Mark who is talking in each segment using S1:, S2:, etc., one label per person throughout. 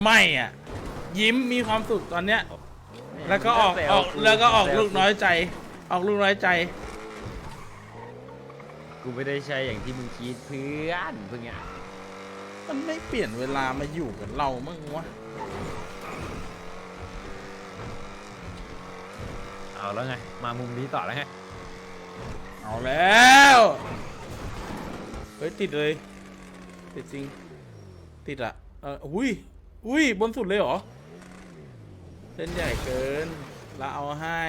S1: ไม่อ่ะยิ้มมีความสุขตอนเนี้ยแล้วก็ออกลูกน้อยใจออกลูกน้อยใจ
S2: กูไม่ได้ใช่อย่างที่มึงคิดเพื่อนเพิ่งไง
S1: มันไม่เปลี่ยนเวลามาอยู่กับเรามั้งวะ
S2: เอาแล้วไงมามุมนี้ต่อแล้วไง
S1: เอาแล้วเฮ้ยติดเลยติดจริงติดอ่ะอุ้ยบนสุดเลยเหรอเส้นใหญ่เกินละเอาให้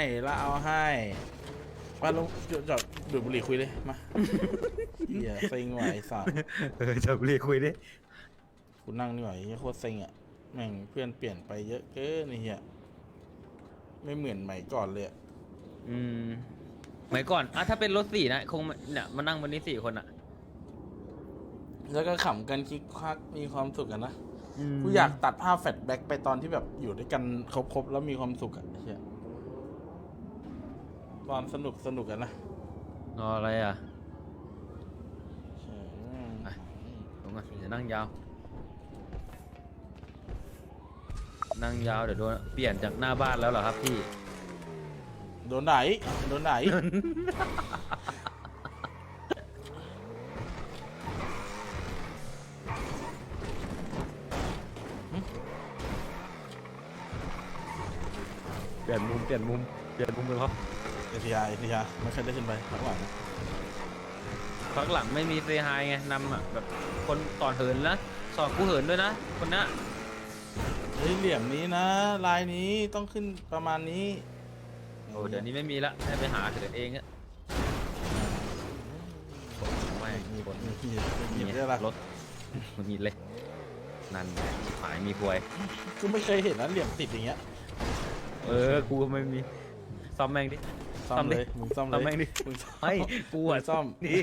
S1: มาลงจอดดูดบุหรี่คุยเลยมาเฮียเซ็งว่ะไอ้สัส
S2: จอดบุหรี่คุยดิ
S1: กูนั่งนี่หว่าโคตรเซ็งอ่ะแม่งเพื่อนเปลี่ยนไปเยอะเกินไอ้เฮียไม่เหมือนใหม่ก่อนเลย
S2: สมัยก่อนถ้าเป็นรถ4นะคงเนี่ยมานั่งบนนี้4คนอะ
S1: แล้วก็ขำกันคิกคักมีความสุขกันนะกูอยากตัดภาพแฟลชแบ็กไปตอนที่แบบอยู่ด้วยกันครบแล้วมีความสุขอะเฮียตอนสนุกกันนะ
S2: อะไรอ่ะลงมาจะนั่งยาวเดี๋ยวโดนเปลี่ยนจากหน้าบ้านแล้วเหรอครับพี่
S1: โดนไหน
S2: เปลี่ยนมุมกันครับ
S1: เอทียาไม่เคยได้ขึ้นไปข้างหลัง
S2: ไม่มีเซฮายไงนำอ่ะแบบคนต่อเหินนะสอนกูเหินด้วยนะคนนี้
S1: เฮ้ยเหลี่ยมนี้นะลายนี้ต้องขึ้นประมาณนี้
S2: โอ้เดี๋ยวนี้ไม่มีละให้ไปหาเถิดเองอะไม่มีคน
S1: มีได้ละ
S2: รถมันมีเลยนั่นหายมีควย
S1: กูไม่เคยเห็นนะเหลี่ยมติดอย่างเงี้ย
S2: กูไม่มีซ่อมแม่งดิ
S1: ซ่อมเลยมึงซ่อม
S2: แม่งดิไม่กูอ่ะ
S1: ซ่อมนี่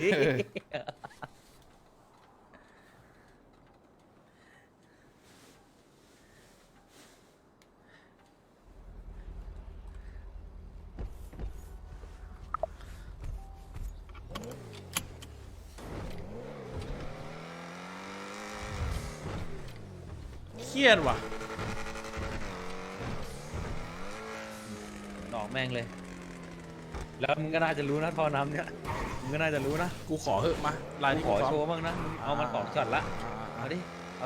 S1: เครียดว่ะ
S2: ดอกแม่งเลยแล้วมึงก็น่าจะรู้นะท่อน้ำเนี่ยมึงก็น่าจะรู้นะ
S1: กูขอเหอะมาลายนี้
S2: ขอโชว์บ้างนะเอามา2ช็อตละเอาดิเอา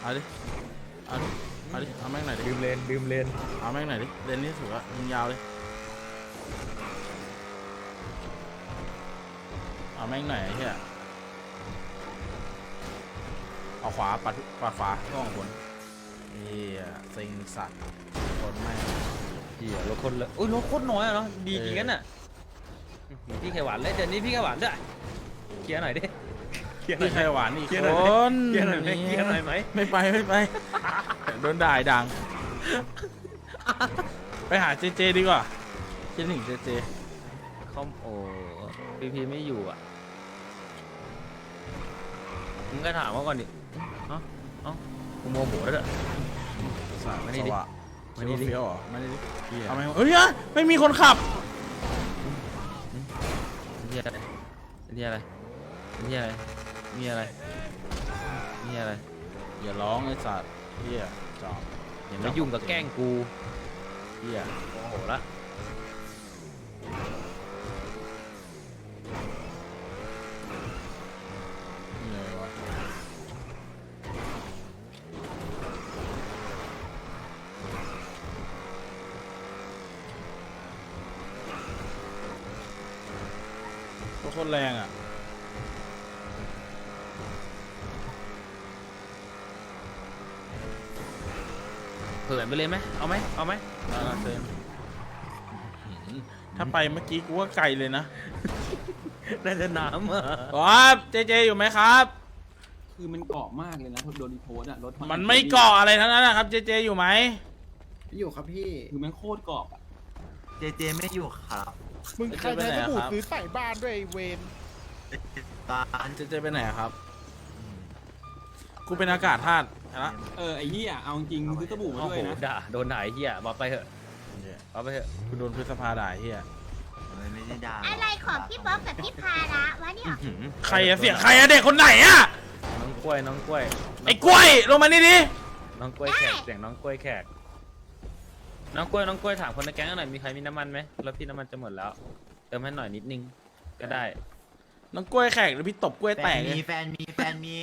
S1: แม่งหน่อยดิ
S2: ดื่มเลน
S1: เอาแม่งหน่อยดิเลนนี่ถือว่ายิงยาวเลยเอาแม่งหน่อยไอ้เหี้ยเอาขวาปัดขวาล่องบนนี่เซ็งสัตว์คนแม่
S2: รถคนเลยรถโคตรน้อยอะเนาะดีจริงกันน่ะพี่ไขหวานเลยเดี๋ยวนี้พี่ไขหวานด้วยเคลียร์หน่อยดิ
S1: พี่ไขหวานอีกคน
S2: เคลียร์หน่อยไหม
S1: ไม่ไปโดนด่าดังไปหาเจดีกว่าคิดถึงเจ
S2: คอมพีไม่อยู่อ่ะมึงก็ถามว่าก่อนดิกูโมโหแล้ว
S1: ไม่ได้ดิไม่ได้ดิเฟี้ยวเหรอไม่ได้ดิทำไมไม่มีคนขับ
S2: นี่อะไร
S1: อย่าร้องไอ้สัตว์เฮียจอบ
S2: อย่ามายุ่งกับแกล้งกู
S1: เฮีย
S2: โอ้โหละ
S1: โคตรแรงอ่ะ
S2: เผินไปเลยไหมเอาไหม
S1: ถ้าไปเมื่อกี้กูว่าไกลเลยนะ
S2: น่าจะน้ำ
S1: ครับเจอยู่ไหมครับ
S3: คือมันเกาะมากเลยนะโดนรีโพสอะรถ
S1: มันไม่เกาะอะไรทั้งนั้นนะครับเจอยู่ไหม
S3: อยู่ครับพี่คือมันโคตรเกาะอะ
S4: เจไม่อยู่ครับ
S5: มึงใครใช้สบู่ซื้อใส่บ้านด้วยเวน
S1: เจไปไหนครับกูเป็นอากาศธาตุนะ
S3: ไอ้เหี้ยเอาจริงซื้อสบู่มาด้วยนะ
S2: โดนด่าไอ้เหี้ยบอกไปเถอะ
S1: กูโดนพฤษภาด่าเหี้ย
S4: ไม่ได้ด่า
S6: อะไรของพี่บ๊อบกับพี่พาระวะเนี่ย
S1: ใครอะเสียงใครอะเด็กคนไหนอะ
S2: น้องกล้วย
S1: ไอ้กล้วยลงมานี่ดิ
S2: น้องกล้วยแขกเสียงน้องกล้วยแขกน้องกล้วยถามคนในแก๊งหน่อยมีใครมีน้ำมันไหมรถพี่น้ำมันจะหมดแล้วเติมให้หน่อยนิดนึงก็ได้
S1: น้องกล้วยแขกหรือพี่ตบกล้วย
S4: แฟ
S1: แต
S4: น
S1: กเล
S4: มี
S1: ย
S4: แฟนมีแฟนมี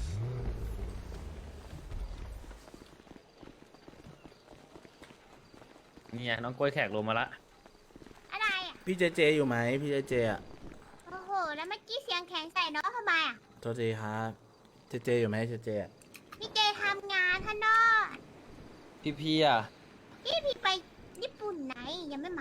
S2: นี่ไงน้องกล้วยแขกลงมาละ
S6: อะไรอ่ะ
S1: พี่เจเจอยู่ไหมพี่เจเจอ่ะ
S6: โอ้โห แล้วเมื่อกี้เสียงแข็งใส่น้องทำไมอ่ะ
S1: โทษทีครับเจเจอยู่ไหมเจเจอะ
S6: พี่เจทำงานท่านนอก
S2: พี่อ่ะ
S6: พี่ไปญี่ปุ่นไหนยังไม่มา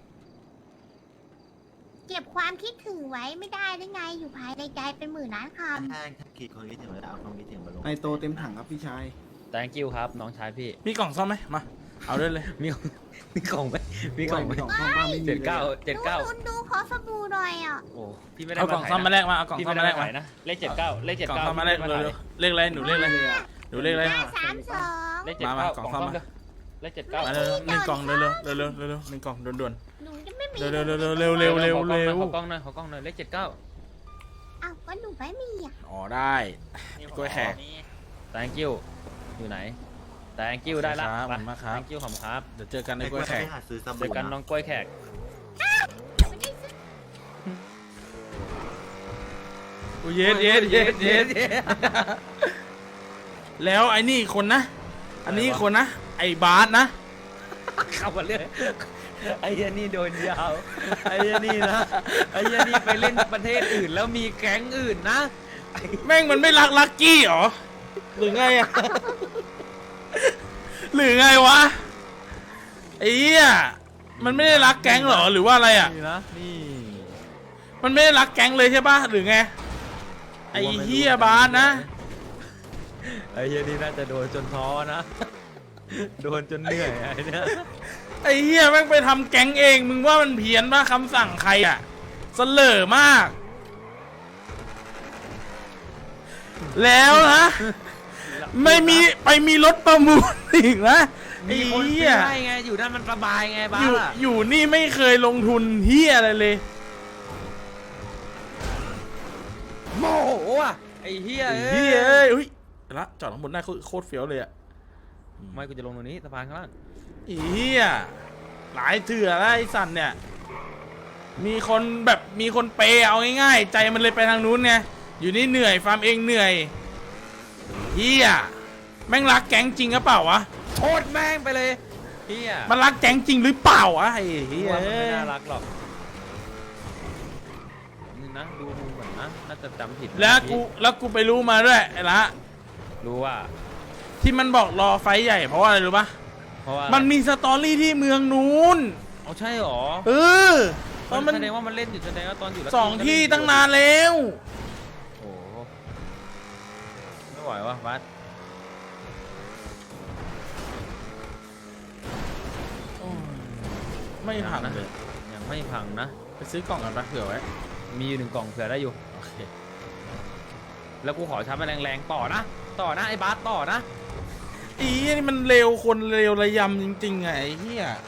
S6: เก็บความคิดถึงไว้ไม่ได้ได้ไงอยู่ภายในใจเป็นหมื่นล้านค
S4: ถ้าคิดคนคิดถึงเวลาเอาความคิดถึงมาลง
S5: ไอโตเต็มถังครับพี่ชาย
S2: thank you ครับน้องชายพี่
S1: มีกล่องซ่อมไหมมาเอาด้วยเลย
S2: มีกล่องไหมมีกล่องไหม
S5: กล่องซ่อมบ้างไม่มี
S2: เจ็ดเก้า
S6: ำ
S2: เจ็ดเก้า
S6: ดูขอสบู่หน่อยอ่ะ
S2: โอ้พี่ไม่ได้
S1: เอากล่องซ่อมมาแลกมาเอากล่อง
S2: พี่
S1: ซ่อ
S2: ไม่
S1: ม
S2: ได้
S1: มาแลก
S2: มา
S1: มา
S2: ขายนะเลข79เลข
S1: กล่อง
S2: 79
S1: ซ่อมมาแลก
S2: พี่ไได้
S1: เร็วๆเลขอะไรหนูเลขอะไรหนูเลขอะไร
S6: 532
S2: เลข
S1: มา
S2: 79
S1: กล่องซ่อมมา
S2: เลข
S1: มาเร็วๆหนึ่งกล่องเร็วๆเร็วๆเร็วๆหนึ่งกล่องด่วน
S6: หนูจะไม่มี
S1: ๆเร็วๆเร็วๆเร็วๆเร็วๆเร็ว
S2: ขอกล้องหน่อยขอกล้องหน่อยเลข79
S6: อ้าวก็หนูไม่มีอ่ะ
S1: ๆอ๋อได้กล้วยแขก
S2: thank you อยู่ไหน thank you ได้ละ
S1: ครับขอบคุณมากครับ
S2: thank you ขอบคุณครับ
S1: เดี๋ยวเจอกันใน
S4: ไอ้
S1: ก
S4: ก
S1: ล้
S4: ล้ว
S1: วย ยแข
S4: ไป
S1: ก
S4: หาซื้อส
S2: เจ
S4: บู่
S2: อกันน้องกล้วยแขก
S6: ไม่ได้ซื้อ
S1: อุ้ยเย็ดแล้วไอ้นี่คนนะ อันนี้คนนะ ไอ้บาสนะ
S2: เข้ามาเรื่อยไอ้เหี้ยนี่โดนยาวไอ้เหี้ยนี่นะไอ้เหี้ยนี่ไปเล่นประเทศอื่นแล้วมีแก๊งอื่นนะ
S1: แม่งมันไม่รักลักกี้เหรอหรือไงอะหรือไงวะไอ้เหี้ยมันไม่ได้รักแก๊งเหรอหรือว่าอะไรอะ
S2: นี่นะนี่
S1: มันไม่ได้รักแก๊งเลยใช่ปะหรือไงไอ้เหี้ยบาสนะ
S2: ไอ้เหี้ยนี่น่าจะโดนจนท้อนะโดนจนเหนื่อยไอ้เนี่ย
S1: ไอ้เหี้ยแม่งไปทำแก๊งเองมึงว่ามันเพี้ยนปะคำสั่งใครอะเสลอมาก แล้วนะไม่มีไปมีรถประมูลอีกนะไอ้
S2: มีคน
S1: เหี้
S2: ซื้
S1: ย
S2: อให้ไงอยู่นั่นมันสบายไงบ้า
S1: อยู่นี่ไม่เคยลงทุนเหี้ยอะไรเลย
S2: โมโหอ่ะไอ้เหี้ย
S1: ไอ้เหี้ยเอ้ยอุ้ยละจอดข้างบนได้โคตรเฟี้ยวเลยอะ
S2: ไม่กูจะลงตรงนี้สะพานข้างล่าง
S1: ไอ้เหี้ยหลายเถื่อแล้วไอ้สันเนี่ยมีคนแบบมีคนเปย์เอาง่ายๆใจมันเลยไปทางนู้นไงอยู่นี่เหนื่อยฟาร์มเองเหนื่อยเหี้ยแม่งรักแก๊งจริงหรือเปล่าวะ
S2: โทษแม่งไปเลยเหี้ย
S1: มันรักแก๊งจริงหรือเปล่าวะไอ้เหี้ย
S2: ว่ามันไม่น่ารักหรอกนี่นะดูมุมเหมือนนะน่าจะจำผิดนะ
S1: แล้วกูไปรู้มาด้วยไอ้ละ
S2: รู้ว่า
S1: ที่มันบอกรอไฟท์ใหญ่เพราะว่าอะไรรู้ปะ
S2: เพราะว่า
S1: มันมีสตอรี่ที่เมืองนู้น
S2: เอาใช่หรอ
S1: เออตอนมัน
S2: แสดงว่ามันเล่นอยู่แสดงว่าตอนอยู่
S1: สองที่ตั้งนานแล้ว
S2: โอ้โหไม่ไหววะบัส
S1: ไม่พังเลย
S2: ยังไม่พังนะ
S1: ไปซื้อกล่องกันปะเผื่อไว้
S2: มีอยู่1 กล่องเผื่อได้อยู่
S1: โอเค
S2: แล้วกูขอชาร์จมันแรงๆต่อนะไอ้บัสต่อนะ
S1: อีนี่มันเร็วคนเร็วระยำจริงๆไงไอ้เหี้ย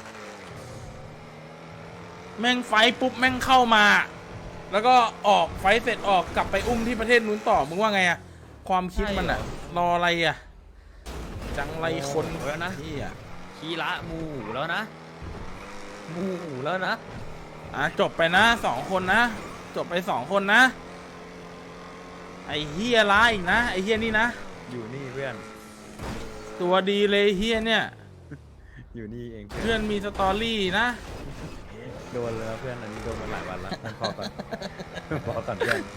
S1: แม่งไฟท์ปุ๊บแม่งเข้ามา แล้วก็ออกไฟท์เสร็จออกกลับไปอุ้มที่ประเทศนู้นต่อมึงว่าไงอะความคิดมันอะรออะไรอะจังไรคน
S2: แล้วนะ
S1: เหี้ย
S2: คีระหมูแล้วนะหมูแล้วนะ
S1: จบไปนะ2 คนนะจบไป2 คนนะไอ้เหี้ยร้ายอีกนะไอ้เหี้ยนี่นะ
S2: อยู่นี่เพื่อน
S1: ตัวดีเลยเหี้ยเนี่ย
S2: อยู่นี่เอง
S1: เพื่อนมีสตอรี่นะ
S2: โดนแล้วเพื่อนอันนี้โดนมาหลายวันแล้วพอก่อน พอก่อนเพื่อน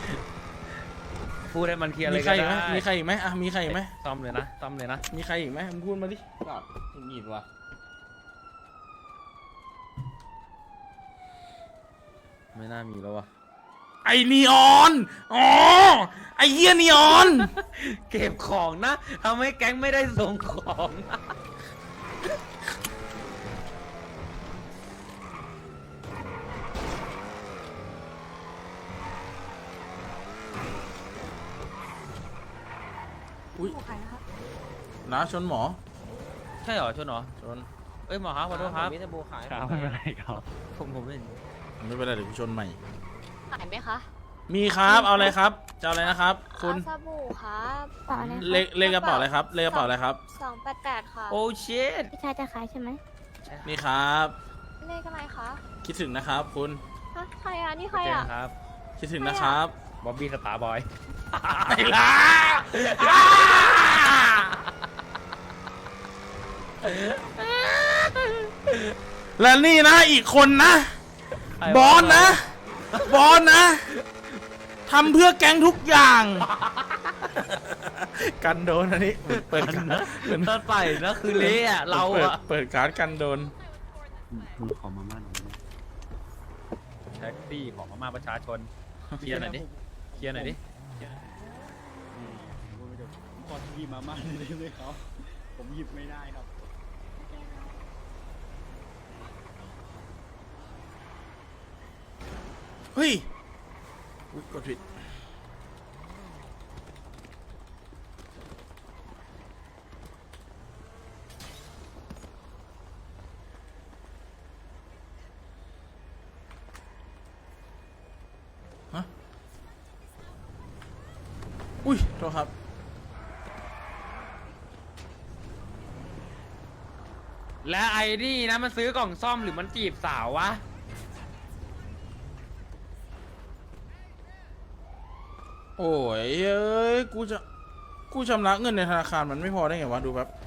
S2: พูดให้มันเคลียร์เล
S1: มี
S2: ย
S1: ใคร
S2: ก็
S1: อีกไหม
S2: ได้
S1: มีใครอีกไหมมีใครอีกไหม
S2: ซ่อมเลยนะซ่อมเลยนะ
S1: มีใครอีกไหมมึงพูดมาดิ
S2: หงิดว่ะไม่น่ามีแล้ววะ
S1: ไอ้นีออนอ๋อไอ้เหี้ยนีออน
S2: เก็บของนะทำให้แก๊งไม่ได้ส่งของนะ
S1: อุ้ยน้าชนหมอ
S2: ใช่เหรอชนเหรอ
S1: ชน
S2: เอ้ยหมอครับขอโทษครับ
S3: มีแต่โบขาย
S2: ครับไม่เป็นไรครับผมไม่
S1: ไม่เป็นไรเดี๋ยวกูชนใหม่
S7: ขายไหมคะ
S1: มีครับเอาอะไรครับจะเอาอะไรนะครับ คุณ
S7: เอาสบู่ครับเปล่าอะไร
S1: เลขกระเป๋าอะไรครับเลขกระเป๋าอะไรครับ
S7: 288ค่ะ
S2: โอ้ชิต
S7: พี่ชายจะขายใช่ไหม
S1: นี่ครับ
S7: เลขอะไรคะ
S1: คิดถึงนะครับ คุณ
S7: ฮะใครอ่ะ นี่ใคร
S2: เจอ
S7: อ่ะ
S2: กันครับ
S1: คิดถึงนะครับ
S2: บ๊อบบี้สตาร์บอย
S1: ไอ้ล่ะและนี่นะอีกคนนะ บอสนะ บอสนะทำเพื่อแก๊งทุกอย่าง กันโดนอันนี้เปิดการ์ดเหมือน
S2: ถ้าใส่นะคือเละอะเราอะ
S1: เปิดการ์ดกันโดน
S3: มึงขอมาม่าหน่อยได้ไหม
S2: แท็กซี่ของมาประชาชนเคลียร์หน่อยดิเคลียร์หน่อยดิ
S3: ขอทีมาม่าหน่อยได้ไหมครับ ผมหยิบไม่ได้ครับ
S1: เฮ้ยอุ๊ยกดผิดฮะอุ้ยโทษครับ
S2: และไอ้นี่นะมันซื้อกล่องซ่อมหรือมันจีบสาววะ
S1: โอ้ยเอ้ยกูชำระเงินในธนาคารมันไม่พอได้ไงวะดูแป๊บ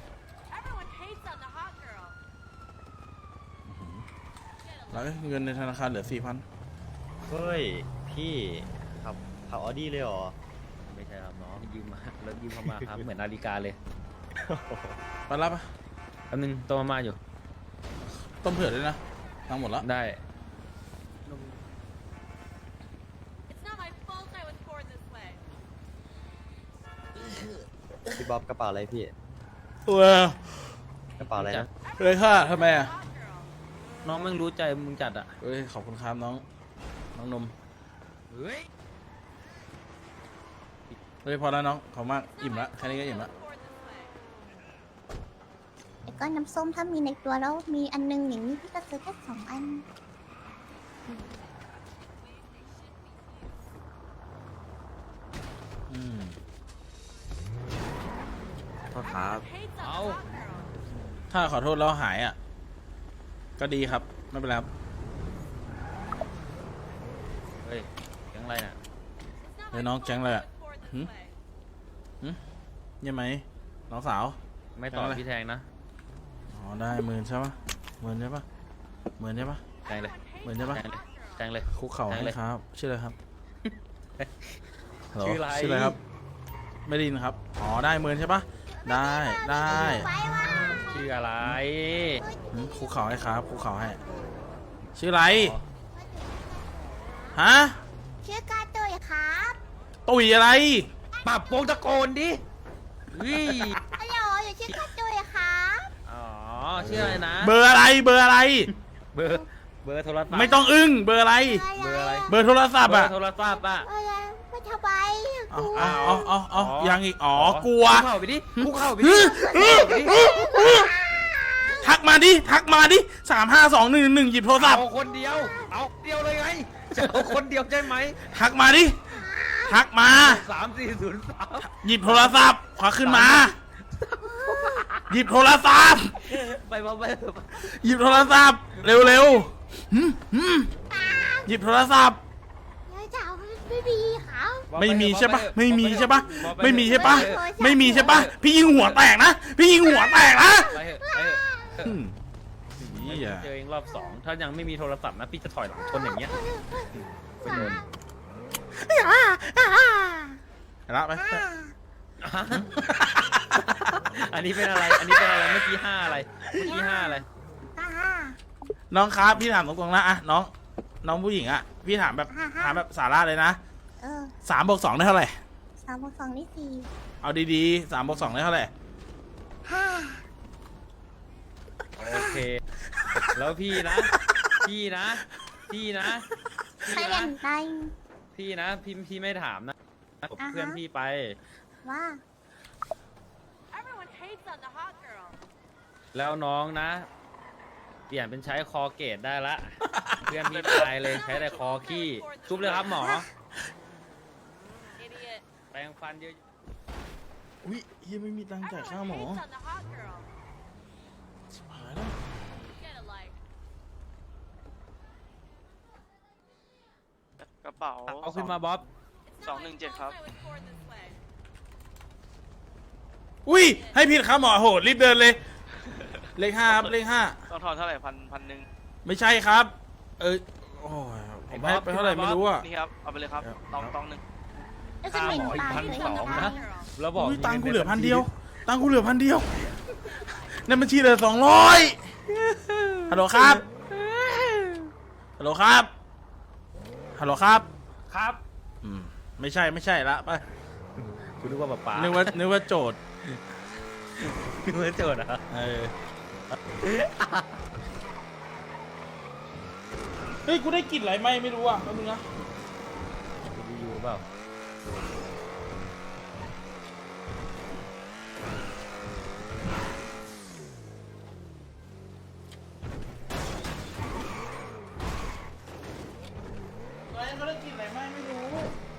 S1: แล้วเงินในธนาคารเหลือ 4,000
S4: เฮ้ย พี่ขับออดี้เลยเหรอ
S2: ไม่ใช่ครับน้องยืมมาแล้วยืมเข้ามาครับ เหมือนนาฬิกาเลย
S1: ไปรับปะ
S2: แป๊บนึงตัวมาอยู่
S1: ต้มเผือกด้วยนะทั้งหมดละ
S2: ได้
S4: พี่บ๊อบกระเป๋าอะไรพี่
S1: เออก
S4: ระเป๋าอะไรนะ
S1: เลยค่ะทำไมอ่ะ
S2: น้องแม่งรู้ใจมึงจัดอะ
S1: เอ้ยขอบคุณครับน้องนม
S2: เฮ้ย
S1: เฮ้ยพอแล้วน้องขอบมากอิ่มละแค่นี้ก็อิ่มละ
S6: แล้วก็น้ำส้มถ้ามีในตัวแล้วมีอันนึงอย่างนี้พี่ก็ซื้อแค่2 อัน
S1: อืม
S4: โทษครับ
S2: เอา
S1: ถ้าขอโทษแล้วหายอ่ะก็ดีครับไม่เป็นไรครับ
S2: เฮ้ยยังไรน่ะ
S1: เฮ้ยน้องแจ้งเลยอ่ะยังไหมน้องสาว
S2: ไม่ต่อพี่แทงนะ
S1: อ๋อได้10,000ใช่ปะ10,000ใช่ปะ10,000ใช่ปะ
S2: แทงเลย
S1: 10,000ใช่ปะ
S2: แทงเลย
S1: คุกเข่า
S2: แทง
S1: ให้
S2: เลย
S1: ครับชื่ออะไรครับฮัลโหล
S2: ชื่ออะไร
S1: ชื่ออะไรครับ ไม่ได้ยินครับอ๋อได้10,000ใช่ปะได้ได้
S6: ไว้ว่า
S2: ชื่ออะไร
S1: คุกเข่าให้ครับคุกเข่าให้ชื่ออะไรฮะ
S6: ชื่อกาโตยครับ
S1: ตุ๋ยอะไร
S2: ปรับวงตะโกนดิเฮ้ย
S6: ฮัลโหลอยู่ชื่อกาโตยครับ
S2: อ๋อชื่ออะไรนะ
S1: เบอร์อะไรเบอร์อะไร
S2: เบอร์โทรศัพท์
S1: ไม่ต้องอึ้งเบอร์อะไร
S2: เบอร์อะไร
S1: เบอร์โทรศัพท์
S2: เบอ
S1: อ่ะ
S2: ร์โทรศัพท์อ่ะ
S6: อะไรไม่ทำไมก
S1: เอา
S6: ลัว
S1: เอายังอีกอ๋อกลัว
S2: คุกเข่าไปดิคุกเข่าไปดิ
S1: ทักมาดิ352111หยิบโทรศัพท์
S2: เอาคนเดียว เอาเดียวเลยไง จะเอาคนเดียวใช่ไหม
S1: ทักมาดิทักมา
S2: 3403
S1: หยิบโทรศัพท์ขวาขึ้นมา หยิบโทรศัพท์
S2: ไปมาไป
S1: หยิบโทรศัพท์เร็วหยิบโทรศัพท์
S6: แล้วจะเอาไม่มีครับ
S1: ไม่มีใช่ปะไม่มีใช่ปะไม่มีใช่ปะไม่มีใช่ปะพี่ยิงหัวแตกนะพี่ยิงหัวแตกนะ
S2: ไปเถอะไปเถอะ
S1: เหี้ย
S2: เจอเองรอบ2ถ้ายังไม่มีโทรศัพท์นะพี่จะถอยหลังชนอย่างเงี้ยไปโดน
S1: ละไป
S2: อันนี้เป็นอะไร อันนี้เป็นอะไร เมื่อกี้5อะไร เมื่อกี้5อะไร
S1: น้องครับพี่ถามตรงๆนะอะน้องผู้หญิงอะพี่ถามแบบสาระเลยนะ 3+2ได้เท่าไหร่
S6: 3+2นี่4
S1: เอาดีๆ3+2ได้เท่าไหร่
S2: โอเค แล้วพี่นะ พี่นะ พี่นะ
S6: ใคร
S2: พี่
S6: เล่
S2: นะ
S6: นไป
S2: พี่นะ พี่ไม่ถามนะกับเพื่อนพี่ไป
S6: ว่า
S2: แล้วน้องนะ เปลี่ยนเป็นใช้คอเกตได้ละ เพื่อนพี่ตายเลยใช้แต่คอขี้ชุบเลยครับหมอแปรงฟันเยอะ
S1: อุ้ยเฮียไม่มีตังค์จ่ายค่าหมอชิบหายแล้ว
S8: กระเป๋า
S2: เอาขึ้นมาบ๊อบ
S8: 217ครับ
S1: อุ้ยให้ผิดค่าหมอโหรีบเดินเลย เลข 5ครับเลข
S8: ต้องทอนเท่าไหร่พันหนึ่ง
S1: 5ไม่ใช่ครับ โอ้ยผมให้ไปเท่าไหร่ไม่รู้อ่ะ
S8: นี่ครับ เอาไปเลยครับ
S1: ครับ
S8: ตองหนึ่ง
S6: แล้วจะเป็นปลาเลย
S2: 1,200นะแล้วบอก
S1: อุ้ยตังค์กูเหลือพันเดียว ตังค์กูเหลือพันเดียวในบัญชีเหลือ200ฮัลโหลครับ ฮัลโหลครับ ฮัลโหลครับ
S2: ครับ
S1: ไม่ใช่ละไป
S2: คุณนึกว่าป๊า
S1: นึกว่าโจทย์
S2: นึกว่าโจทย์เหรอ
S1: เฮ้ย กูได้กลิ่นอะไรไหมไม่รู้อ่ะแป๊บนึงนะ
S2: รีวิวเปล่า
S1: อะไรเขาได้กลิ่นอะไรไหมไม่รู้